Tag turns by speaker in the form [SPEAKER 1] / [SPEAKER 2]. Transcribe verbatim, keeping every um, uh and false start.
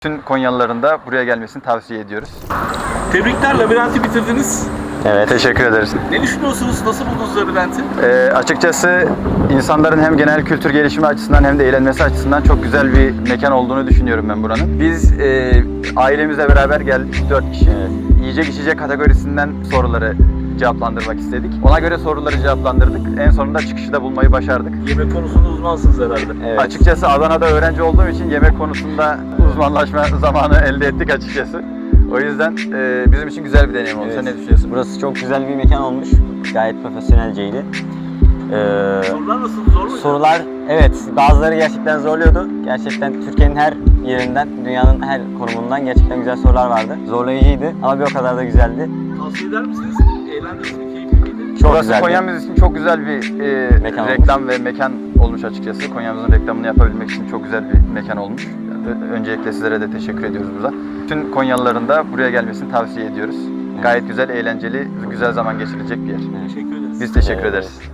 [SPEAKER 1] Bütün Konyalıların da buraya gelmesini tavsiye ediyoruz.
[SPEAKER 2] Tebrikler, labirenti bitirdiniz.
[SPEAKER 1] Evet. Teşekkür ederiz.
[SPEAKER 2] Ne düşünüyorsunuz? Nasıl buldunuz labirenti?
[SPEAKER 1] Ee, açıkçası insanların hem genel kültür gelişimi açısından hem de eğlenmesi açısından çok güzel bir mekan olduğunu düşünüyorum ben buranın. Biz e, ailemizle beraber geldik, dört kişi.
[SPEAKER 3] Evet.
[SPEAKER 1] Yiyecek içecek kategorisinden soruları cevaplandırmak istedik. Ona göre soruları cevaplandırdık. En sonunda çıkışı da bulmayı başardık.
[SPEAKER 2] Yemek konusunda uzmansınız herhalde.
[SPEAKER 3] Evet.
[SPEAKER 1] Açıkçası Adana'da öğrenci olduğum için yemek konusunda uzmanlaşma zamanı elde ettik açıkçası. O yüzden e, bizim için güzel bir deneyim oldu.
[SPEAKER 3] Evet.
[SPEAKER 1] Sen ne düşünüyorsun?
[SPEAKER 3] Burası çok güzel bir mekan olmuş. Gayet profesyonelceydi. Ee,
[SPEAKER 2] Sorular nasıl? Zor muydu?
[SPEAKER 3] sorular, evet, bazıları gerçekten zorluyordu. Gerçekten Türkiye'nin her yerinden, dünyanın her konumundan gerçekten güzel sorular vardı. Zorlayıcıydı ama bir o kadar da güzeldi.
[SPEAKER 2] Tavsiye eder misiniz? Eğlendiniz mi? Keyifli miydi?
[SPEAKER 3] Çok
[SPEAKER 1] Burası
[SPEAKER 3] güzeldi.
[SPEAKER 1] Konya'mız için çok güzel bir e,
[SPEAKER 3] Mekan
[SPEAKER 1] reklam ve mekan olmuş açıkçası. Konya'mızın reklamını yapabilmek için çok güzel bir mekan olmuş. Ö- Öncelikle sizlere de teşekkür ediyoruz burada. Bütün Konyalıların da buraya gelmesini tavsiye ediyoruz. Gayet güzel, eğlenceli, güzel zaman geçirilecek bir yer.
[SPEAKER 2] Teşekkür ederiz.
[SPEAKER 1] Biz teşekkür
[SPEAKER 3] Evet.
[SPEAKER 1] ederiz.